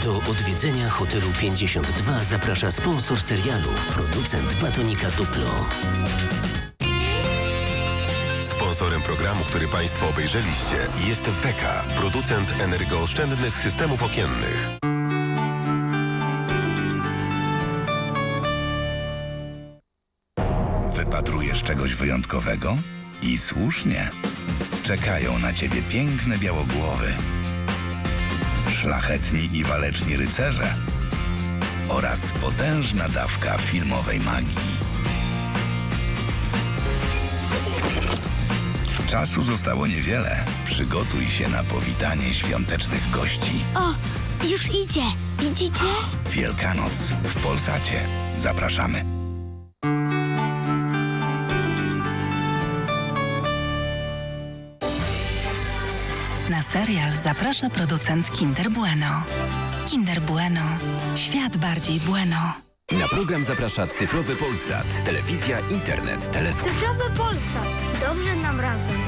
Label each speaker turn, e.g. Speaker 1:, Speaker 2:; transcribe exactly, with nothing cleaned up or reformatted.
Speaker 1: Do odwiedzenia hotelu pięćdziesiąt dwa zaprasza sponsor serialu, producent batonika Duplo.
Speaker 2: Sponsorem programu, który Państwo obejrzeliście, jest Weka, producent energooszczędnych systemów okiennych.
Speaker 3: Wypatrujesz czegoś wyjątkowego? I słusznie. Czekają na ciebie piękne białogłowy, szlachetni i waleczni rycerze oraz potężna dawka filmowej magii. Czasu zostało niewiele. Przygotuj się na powitanie świątecznych gości.
Speaker 4: O, już idzie. Widzicie?
Speaker 3: Wielkanoc w Polsacie. Zapraszamy.
Speaker 5: Na serial zaprasza producent Kinder Bueno. Kinder Bueno. Świat bardziej bueno.
Speaker 6: Na program zaprasza Cyfrowy Polsat. Telewizja, internet, telefon.
Speaker 4: Cyfrowy Polsat. Dobrze nam razem.